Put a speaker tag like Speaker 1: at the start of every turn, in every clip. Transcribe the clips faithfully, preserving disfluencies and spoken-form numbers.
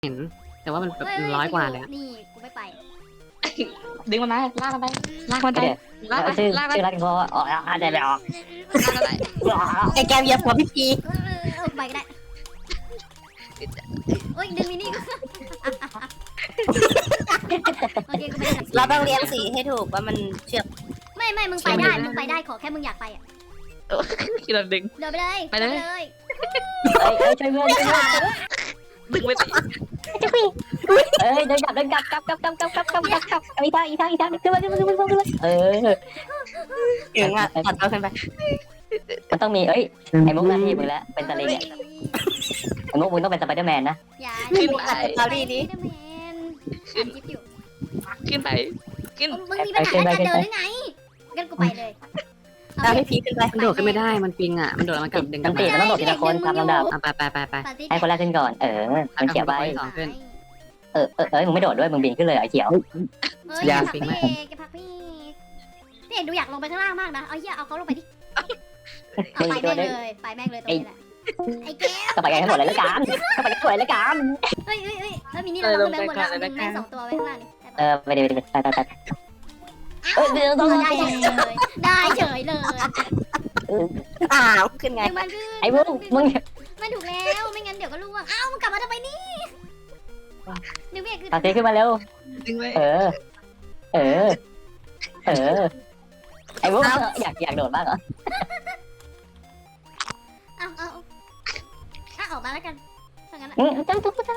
Speaker 1: เห็นแต่ว่ามันแบบ
Speaker 2: เฮ้ยเฮ้ย
Speaker 1: ร้อยกว่า
Speaker 2: กู
Speaker 1: เลยอะ
Speaker 2: นี่กูไม่ไป
Speaker 3: ดึงมันมาลากมันไปลากมันไป
Speaker 4: เดี๋ยว
Speaker 3: ลากไป
Speaker 4: ชื่อ
Speaker 3: ลากไป
Speaker 4: ชื่อรักพออ๋ออาจจะไม่ออก
Speaker 3: ลากมันไป
Speaker 4: ไอ้แกมเหยียบหัวพี่พี
Speaker 2: เออเออไปก็ได้โอ้ยดึงมินี่โอเคกูไปได้
Speaker 5: เราต้องเรียงสีให้ถูกว่ามันเชื่อม
Speaker 2: ไม่ไม่มึงไปได้มึงไปได้ขอแค่มึงอยากไปอ่ะ
Speaker 3: คิดเราดึง
Speaker 2: เดินไปเลย
Speaker 3: ไปเลย
Speaker 2: ดินเลย
Speaker 4: เอ้ยเอ้ยช่วยเพื่อนช่วยเพื่อน
Speaker 3: ดึงไปสิ
Speaker 4: เอ้ยเดินกลับเดินกลับกลับกลับกลับกลับกลับกลับกลับกลับอีกทางอีกทางอีกทางขึ้นมาขึ้นมาขึ้นมาขึ้นมาเออ
Speaker 5: เก่งอ่ะตัดเอาขึ้นไป
Speaker 4: มันต้องมีเอ้ยไอ้มุกหน้าที่มึงแล้วเป็นสลิงอะไอ้มุกมึงต้องเป็นสไปเดอร์แมนนะ
Speaker 2: อย่า
Speaker 5: ขึ้นไปตัดสตอรี่นี้
Speaker 2: สไปเดอร์แมนอ่านคลิปอยู่
Speaker 3: ขึ้นไปขึ้น
Speaker 2: มึงมีปัญหาในการเดินหรือไงงั้นกูไปเลย
Speaker 5: เอาพี่พีขึ้นไป
Speaker 1: มันโดดขึ้นไม่ได้มันปิงอ่ะมันโดดแล้วมันกลับดึงก
Speaker 4: ต้
Speaker 1: ลั
Speaker 4: อบ งตี
Speaker 1: มา
Speaker 4: มันต้องโดดทีละคนตามลำดับ
Speaker 1: อ่ะไปไปไปไป
Speaker 2: ปาร์ตี้
Speaker 4: ให้คนแรกขึ้นก่อนเออมันเขียวไป
Speaker 1: สองขึ้น
Speaker 4: เออเออเอ้ยมึงไม่โดดด้วยมึงบินขึ้นเลยไอ้เขียว
Speaker 2: เฮ้ย
Speaker 1: อย่า
Speaker 2: พัก
Speaker 1: ปิ
Speaker 2: พี่
Speaker 1: ง
Speaker 2: เอกแกพักพี่พี่เอกดูอยากลงไปข้างล่างมากนะเอาเหี้ยเอาเขาลงไปดิเอา
Speaker 4: มึง
Speaker 2: ไป
Speaker 4: อีกตั
Speaker 2: แม่
Speaker 4: ว
Speaker 2: ง
Speaker 4: นึง
Speaker 2: เลยไปแม่งเลยตรงนี้แหละไอ้แก้ว
Speaker 4: ก็ไปกันให้หมดเลยละกันก็ไปกันให้หมดเลยละกัน
Speaker 2: เฮ้ยเฮ้ยเฮ้ยแล้วมินี่เราลงไปหมดแล้วดึงแม่งสองตัวไว้ข้างล่างนี่
Speaker 4: เออไปเดี๋ยวไปเดี๋ยวไปไปไปเออเดี๋ยวต้อง
Speaker 2: ได้เฉยเลยได้เฉยเลย
Speaker 5: อ้าวขึ้นไง
Speaker 2: ดึงมันขึ้น
Speaker 4: ไอ้มุกมึง
Speaker 2: ไม่ถูกแล้วไม่งั้นเดี๋ยวก็ล่วงอ้าวมึงกลับมาทำไมนี่ดึงพี่เอกขึ้น
Speaker 4: ปาเต้ขึ้นมาเร็ว
Speaker 3: ดึงไป
Speaker 4: เออ เออ เออ ไอ้มุกอยากอยากโดดมากเหรอ
Speaker 2: อ้าวอ้าวอ้าวออกมาแล้วกันถ้างั้น
Speaker 4: อืมจังตุ๊กจัง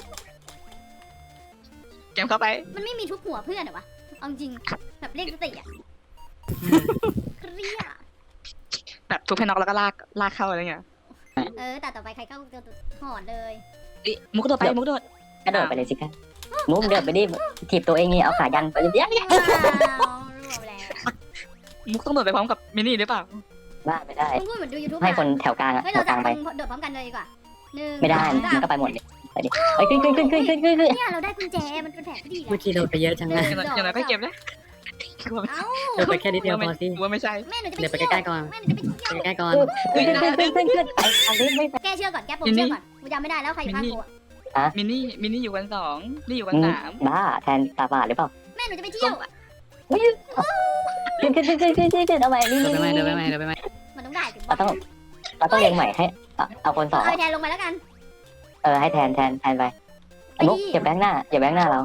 Speaker 3: แกมเข้าไป
Speaker 2: มันไม่มีทุบหัวเพื่อนเหรอวะเอาจริงแบบเรียกสติอ่ะเครียด
Speaker 3: แบบทุบให้น็อกแล้วก็ลากลากเข้าอะไรเงี้ย
Speaker 2: เออแต่ต่อไปใครเข้าจะหอนเลย
Speaker 3: อิมุกโดดไปมุกโดด
Speaker 4: กระโดดไปเลยสิคะมุกเดินไปดิถีบตัวเองนี่เอาขายันไปเดี๋ยว
Speaker 2: ว้าวรวมแล้ว
Speaker 3: มุกต้องโดดไปพร้อมกับมินี่หรือเปล่า
Speaker 4: บ้าไม่ได้
Speaker 2: มึงพูดเหมือนดูยูทูบ
Speaker 4: ให้คนแถวกลางอะ
Speaker 2: เฮ้ย
Speaker 4: แถ
Speaker 2: เรา
Speaker 4: วก
Speaker 2: จะ
Speaker 4: ลางไป
Speaker 2: โดดพร้อมกันเลยดีกว่าหนึ่ง
Speaker 4: ไม่ได้
Speaker 2: สอง
Speaker 4: มัน
Speaker 2: สาม
Speaker 4: ก็ไปหมดเลยไปดิเฮ้ยขึ้นขึ้นขึ้นขึ้นขึ้นขึ้นขึ้น
Speaker 2: เนี่ยเราได้กุญแจมันเป็นแผนที่ดี
Speaker 1: เมื่อกี้โดดไปเยอะจังเลย
Speaker 3: อย่างไรก็เก็บนะ
Speaker 2: เอ้า
Speaker 1: โดดไปแค่นิดเดียวพอสิ
Speaker 3: ว่าไม่ใช่
Speaker 2: แม่หนูจะไป
Speaker 1: เดี๋ยวไป
Speaker 2: เที่ยว
Speaker 1: ใกล้ๆก่อน
Speaker 2: แม่หนูจะไปเที่ยว
Speaker 1: ไปใกล้ๆก่อน
Speaker 4: ขึ้นขึ้นขึ้นขึ้นขึ้นไปทางนี้ไม่
Speaker 2: แก้เชือกก่อนแก้ปมเชือกก่อนกูจำไม่ได้แล้วใครอยู่ข้างกูอะ
Speaker 3: มินี่มินี่อยู่กันสองนี่อยู่กันสาม
Speaker 4: บ้าแทนตาบาดหรือเปล่า
Speaker 2: แม่หนูจะไปเที่ยว
Speaker 4: ขึ้นขึ้นขึ้นขึ้นขึ้นขึ้นเอาใหม่นี่
Speaker 1: เดิน
Speaker 4: นี่
Speaker 1: ไปไหม
Speaker 4: นี่
Speaker 1: เดินไปไหมเดินไปไหม
Speaker 2: มันต้องได้ถึง
Speaker 4: เราต้องเราต้องเรียงใหม่ให้เอาคนสอง
Speaker 2: เอาแทนลงไปแล้วกัน
Speaker 4: เออให้แทนแทนแทนไปมุกอย่าแบงหน้าอย่าแบงหน้าเรา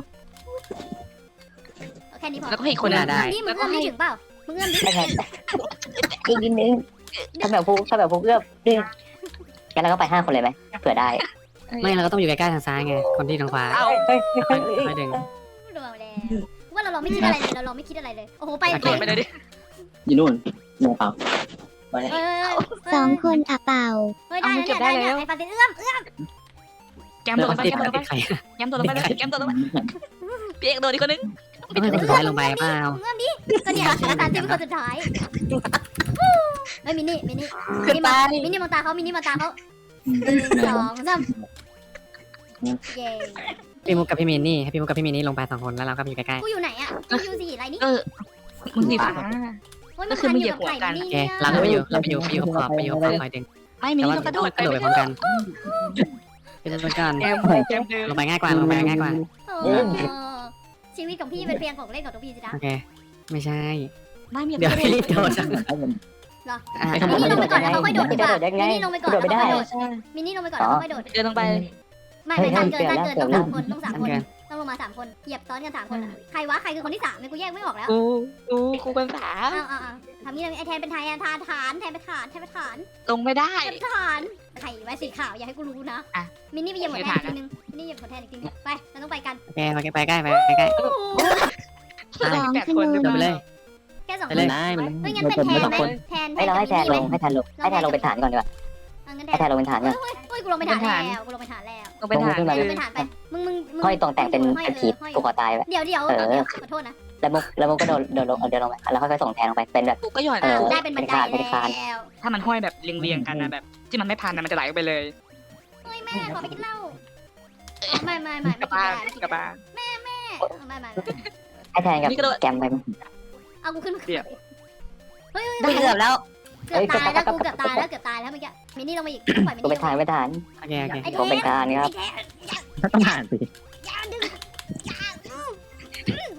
Speaker 2: แค่นี้พอ
Speaker 3: แล้วก็ให้อีกคนนึง
Speaker 2: นี่มึงเอื้อมนี่ถึงเปล่ามึงเอื้อมดิ
Speaker 4: ให้แทนอีกนิดนึงถ้าแบบพุกถ้าแบบพุกเอื้อมดึงงั้นเราก็ไปห้าคนเลยไหมเผื่อได้
Speaker 1: ไม่เราก็ต้องอยู่ใกล้ๆทางซ้ายไงคนที่ทางขวา
Speaker 3: เอ้า
Speaker 4: เฮ้ย
Speaker 1: ค่อยค่อยดึง
Speaker 2: รวมแล้วว่าเราลองไม่คิดอะไรเลยเราลองไม่คิดอะไรเลยโอ้โหไป
Speaker 3: โดดไปเลยดิ
Speaker 6: อยู่นู่นมองเปล่า
Speaker 2: เออ
Speaker 7: สองคนอะเป่า
Speaker 2: เฮ้ยได้แล้วเนี่ยได้เนี่ยไอ้ปาเต้เอื้อมเอื้อม
Speaker 3: แกม
Speaker 1: เดิ
Speaker 3: โดด
Speaker 1: น
Speaker 3: ไป
Speaker 1: ติด
Speaker 3: แกมโดดไป
Speaker 1: ติดใคร
Speaker 3: แกมโดดไปเลยแกมโดดไปพี่เอกโดดอีกคนนึง
Speaker 1: ต้องให้คนสุดท้ายลงไปเปล่า
Speaker 2: เอื้อมดิก็เนี่ยปาเต้เป็นคนสุดท้ายเฮ้ยมินี่มินี่
Speaker 5: ขึ้นไป
Speaker 2: มินี่มองตาเขามินี่มองตาเขาหนึ่งสองสามเย้
Speaker 1: พี่มุกกับพี่มินนี่ให้พี่มุกกับพี่มินนี่ลงไปสองคนแล้วเราก็อยู่ใกล้
Speaker 2: กูอยู่ไหนอ่ะกูอยู่สีอะไรนี่
Speaker 3: เออมึงสีฟ้า
Speaker 2: โอ้ยมันพันอยู่กับไข่มิ
Speaker 1: ๆโอ
Speaker 2: นี่
Speaker 1: เคเราก็ไปอยู่เราไปอยู่ไปอยู่ขอบไปอยู่ขอบคอยดึง
Speaker 3: ไม่มิ
Speaker 1: แต่
Speaker 3: นี่
Speaker 1: ว่า
Speaker 3: ต้องกระโดด
Speaker 1: กระโดดไปพร้อมกันเป็นไปก่อน
Speaker 3: แกมแกมเดิน
Speaker 1: ลงไปง่ายกว่าลงไปง่ายกว่า
Speaker 2: โอ้ชีวิตของพี่เป็นเพียงของเล่นของทุกพี่สินะ
Speaker 1: โอเคไม่ใช่
Speaker 3: ไม่มี
Speaker 1: เดี๋ยวพี่โดดอ่า
Speaker 2: มินี่ลงไปก่อนแล้วเขาค่อยโดดดีกว่า
Speaker 4: โดดยัง
Speaker 2: มิ
Speaker 4: ไง
Speaker 2: นี่ลงไปก่อน
Speaker 4: โด
Speaker 2: แล้ว
Speaker 4: ดไม่
Speaker 2: เขา
Speaker 4: ได้
Speaker 2: ค่อยโดดมินี่ลงไปก่อนแล้วเขาค่อยโดด
Speaker 3: เดินลงไป
Speaker 2: ไม่ไม่ตันเกินตันเกินต้องสามคนต้องสามคนต้องลงมาสามคนเหยียบซ้อนกันสามคนใครวะใครคือคนที่สามเนี่ยกูแยกไม่ออกแล้ว
Speaker 3: กูกูกูเป็นสาม
Speaker 2: อ้าวอ้าวทำนี่เลยไอแทนเป็นไทยทานฐานแทนเป็นฐานแทนเป็นฐาน
Speaker 3: ลงไม่ได้
Speaker 2: แทนเป็นฐานไข่ไว้สีขาวอย่าให้กูรู้นะมินี่ไปเหยียบหัวแทนอีกทีนึงมินี่เหยียบหัวแทนอีกทีนึงไปเราต้องไปกัน
Speaker 1: โอเคโอเคไปใกล้ไปใกล้
Speaker 7: สอง
Speaker 3: แปด
Speaker 7: ข
Speaker 3: คน
Speaker 7: นุน
Speaker 1: เดินไปเลย
Speaker 2: แค่สองค
Speaker 1: ไป
Speaker 2: น
Speaker 1: เลย
Speaker 6: ได้มัน
Speaker 2: เฮ้ยงั้นเป็นแทนไหมแทนแท
Speaker 4: ให้
Speaker 2: น
Speaker 4: เรา
Speaker 2: กับ
Speaker 4: ให้แท
Speaker 2: มิ
Speaker 4: น
Speaker 2: นี่
Speaker 4: ล
Speaker 2: ไหม
Speaker 4: งให้แทนลงให้แทนลงเป็นฐานก่อนดีกว่า
Speaker 2: งั้นแท
Speaker 4: ให้
Speaker 2: น
Speaker 4: แทนลงเป็นฐานก่อน
Speaker 2: เฮ้ยกูลงไปฐานแล้วกูลงไปฐานแล้ว
Speaker 3: ลงไปถ่าย
Speaker 4: ลงไป
Speaker 2: ลงไปฐานไปมึงมึง
Speaker 4: ห้อยตรงแต่งเป็นเป็นขีดผูกคอตายไป
Speaker 2: เดี๋ยวเดี๋ยว
Speaker 4: เออ
Speaker 2: ขอโทษนะ
Speaker 4: แล้วมุกแล้วมุกก็โดนโดนลงเดินลงไปแล้วค่อยๆส่งแทนลงไปเป็นแบบ
Speaker 3: กูก็หย่อน
Speaker 4: เออ
Speaker 2: ได้เป็นบันไดแล้ว
Speaker 3: ถ้ามันห้อยแบบเรียงๆกันนะแบบที่มันไม่พันนะมันจะไหลไปเลย
Speaker 2: เฮ้ยแม่ขอไปกินเหล้าไม่ไม่ไม่
Speaker 3: กลับบ้านกลับบ้าน
Speaker 2: ไม่ไม่ไม่
Speaker 4: ให้แทนกับแกมไป
Speaker 2: เอากูขึ้นมาเฮ้ย
Speaker 5: เกือบแล้ว
Speaker 2: เกือบตายแล้วกูเกือบตายแล้วเกือบตายแล้วเมื่อกี้มินี่ลงมาอีกปล่อยมิ
Speaker 4: กู
Speaker 2: นี่
Speaker 4: เป็นฐานเป็นฐาน
Speaker 1: โอเคโอเค
Speaker 2: ไอ้แท
Speaker 4: ผมเป็นฐานครับ
Speaker 2: ไอ้แทน
Speaker 6: ต้องผ่านสิ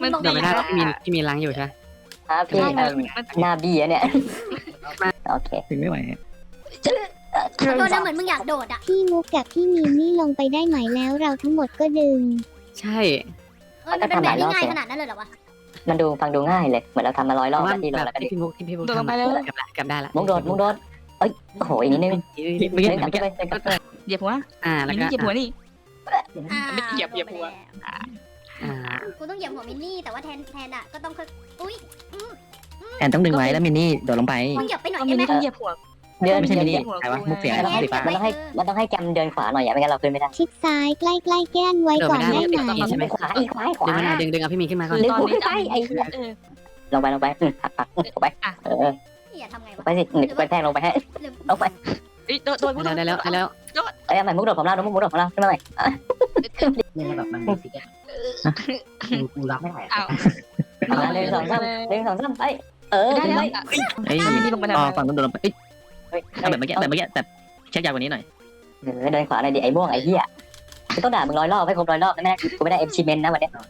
Speaker 3: มัน
Speaker 1: เดี๋ยวไม่ได้พี่มีพี่มีล้างอยู่ใช่ไหม
Speaker 4: ครับพี่เอ่อหน้าบี้อะเนี่ยโอเค
Speaker 6: ถึงไม่ไหว
Speaker 2: ขอโทษนะเหมือนมึงอยากโดดอ่ะ
Speaker 7: พี่มุกกับพี่มีนี่ลงไปได้ไหมแล้วเราทั้งหมดก็ดึง
Speaker 1: ใช่
Speaker 2: เออมันเป็นแบบนี้ง่ายขนาดนั้นเลยเหรอวะ
Speaker 4: มันดูฟังดูง่ายเลยเหมือนเราทำมาร้อยร
Speaker 1: เพ
Speaker 4: อบ
Speaker 1: ราะว่า
Speaker 4: แล้วที่เรา
Speaker 1: แบ
Speaker 4: แล้ว
Speaker 1: บ
Speaker 4: ก็ดิ
Speaker 1: ที่พี่มุกที่พี่มุก
Speaker 3: โดดลง
Speaker 1: ทำ
Speaker 3: ไป
Speaker 1: อะ
Speaker 3: แล้ว
Speaker 1: กลับละกลับได้ละ
Speaker 4: มุกโดดมุกโดดเอ้ยโอ้โหอีกนิดนึง
Speaker 6: เมื่อกี้
Speaker 4: เดินกลับ
Speaker 6: เมื่อกี้
Speaker 4: ไปเดินกลับไป
Speaker 3: เหยียบหัว
Speaker 1: อ่าแล้ว
Speaker 3: มิน
Speaker 1: ก็
Speaker 3: นี่เหยียบหัวนี่
Speaker 2: อ่า
Speaker 3: ไม่เหยียบเหยียบหัว
Speaker 1: อ่า
Speaker 2: กูต้องเหยียบหัวมินนี่แต่ว่าแทนแทนอ่ะก็ต้องค่อยอุ้ย
Speaker 6: แอนต้องดึงไว้แล้วมินนี่โดดลงไป
Speaker 2: มึงเหยียบไปหน่อย
Speaker 5: ก็
Speaker 2: ได้
Speaker 5: มิน
Speaker 2: ไหม
Speaker 5: นี่ต้องเหยียบหัว
Speaker 4: เดิน
Speaker 6: ไม่ใช่มินนี่
Speaker 4: เดิน
Speaker 6: ใครวะมุกเสียง
Speaker 4: มันต้องให้
Speaker 6: สีฟ้า
Speaker 4: มันต้องให้มันต้องให้แกมเดินขวาหน่อยอย่าไม่งั้นเราขึ้นไม่ได้
Speaker 7: ชิดซ้ายใกล้ๆแก้นไว้
Speaker 1: เดี๋ยว
Speaker 7: ก่อ
Speaker 1: ไม่
Speaker 7: น
Speaker 1: ได้
Speaker 7: ได้
Speaker 1: ติด
Speaker 7: ไหม
Speaker 1: ต่อใช่ไหม
Speaker 4: ขวาอีกขวาขวา
Speaker 1: ดึงไม่ได้ดึงดึงเอาพี่มีขึ้นมาก่อน
Speaker 4: ดึง
Speaker 5: ตอน
Speaker 4: กู
Speaker 5: นี้
Speaker 4: ขึ้นไปไอ้เหี้ย
Speaker 5: เออ
Speaker 4: ลงไปลงไปอืมหักปักลงไปเออ
Speaker 2: อย่าทำไงวะ
Speaker 4: ไปสิหนึ่งไปแทงลงไปให้
Speaker 2: หรือ
Speaker 4: ลงไป
Speaker 3: เอ้ยโดดโดด
Speaker 1: ได้แล้วได้แล้วได้แล้ว
Speaker 4: เอ้ยเอาใหม่มุกโดดของเรามุกโดดของเราขึ้นมาใหม่
Speaker 6: เนี่ยแบบมันมีสิกูรับไม่ไหว
Speaker 3: อ้าว
Speaker 4: เอาละหนึ่งสองสามหนึ่งสองสามไปเออ
Speaker 3: ได้
Speaker 4: ขึ้น
Speaker 3: แล้ว
Speaker 4: ไป
Speaker 6: เฮ้ย
Speaker 3: มินนี่ลงไปทำ
Speaker 6: อ๋อ
Speaker 3: ไม
Speaker 6: ฝั่งนู้นโดดลงไปเอ้ยเอาแบบเมื่อกี้แบบเมื่อกี้แต่เช็คยาวกว่านี้หน่อย
Speaker 4: เออเดินขวาหน่อยดิไอ้ม่วงไอ้เหี้ยกูต้องด่ามึงร้อยรอบให้ครบร้อยรอบนะแม่กูไม่ได้เอ็มชีเมนนะวันเนี้ย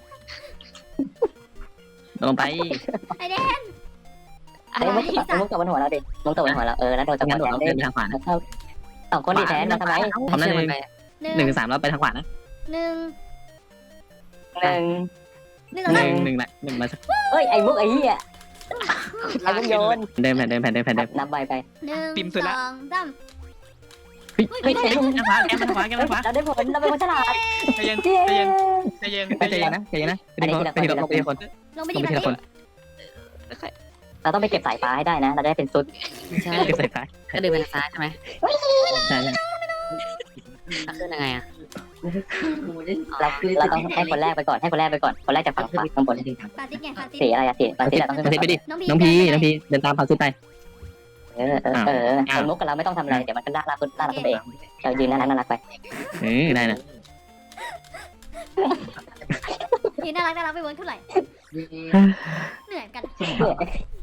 Speaker 6: โดดลงไป
Speaker 2: ไอเดน
Speaker 4: ไอ้มุกตกมุกตกบนหัวเราดิมุกตกบนหัวเราเออแล้วโดนจังห
Speaker 6: งั้
Speaker 4: วะ
Speaker 6: นโดด
Speaker 4: แทน
Speaker 6: เรา
Speaker 4: ได้
Speaker 6: เดินไปทางขวานะ
Speaker 4: สองคนดิแทนมาทำไม
Speaker 6: พร้อมนะหนึ่ง
Speaker 2: ห
Speaker 6: ห
Speaker 2: นึ่
Speaker 6: นึ่
Speaker 2: ง
Speaker 6: งถึงสามแล้วไปทางขวานะ
Speaker 2: หนึ่ง
Speaker 4: หนึ่ง
Speaker 2: หนึ่ง
Speaker 6: หนึ่งหนึ่งละหนึ่งมาสัก
Speaker 4: เอ้ยไอ้มุกไอ้เหี้ยไอ้มุกโยน
Speaker 6: เดินแผ่นเดินแผ่นเดินแผ่นเดิน
Speaker 4: นับใบไป
Speaker 2: หนึ่ง
Speaker 3: ปิ่มสุด
Speaker 2: ส
Speaker 3: ละ
Speaker 2: องสาม
Speaker 6: เฮ้ยเฮ้ยทางขวาแกทางขวาแกทางขวา
Speaker 4: เราได้ผลเราเป็นคนฉลาด
Speaker 3: ใจเย็น
Speaker 4: เย้
Speaker 3: ใจเย็นใจเย็น
Speaker 6: ใจเย็นนะใจเย็นนะไปทีละไปทีละไปทีละคน
Speaker 2: ลงไป
Speaker 6: ล
Speaker 2: ดี
Speaker 6: งไป
Speaker 2: แบบ
Speaker 6: ทีละคน
Speaker 2: นี้
Speaker 4: เราต้องไปเก็บสายฟ้าให้ได้นะ เราได้เป็นซุด
Speaker 1: ไม่ใช่
Speaker 6: เก็บใส่ฟ้า
Speaker 1: ก็ดึงไปทางซ้ายใช่ไหม
Speaker 6: ใช่ใช่
Speaker 1: ถ้าขึ้นยังไงอ่ะ
Speaker 4: เราเราต้องให้คนแรกไปก่อนให้คนแรกไปก่อนคนแรกจากฝั่งขวาข้างบน
Speaker 2: ปาติกไงปาติก
Speaker 4: สีอะไรอะสีปาสีเราต้องขึ้น
Speaker 6: ไป
Speaker 4: ไป
Speaker 6: ดิ
Speaker 2: น้อง
Speaker 6: น้องพี
Speaker 2: เดิ
Speaker 6: น้องพีเดินตามพาซุดไป
Speaker 4: เออเออเออคนมุกกับเราไม่ต้องทำอะไรเดี๋ยวมันก็ลากลากขึ้นลากขึ้นไปเองเรายืนน่ารักน่ารักไป
Speaker 6: เออได้นะ
Speaker 2: นี่น่ารักน่ารักไปเวิร์กเท่าไหร่เหนื่อยเหมือนกัน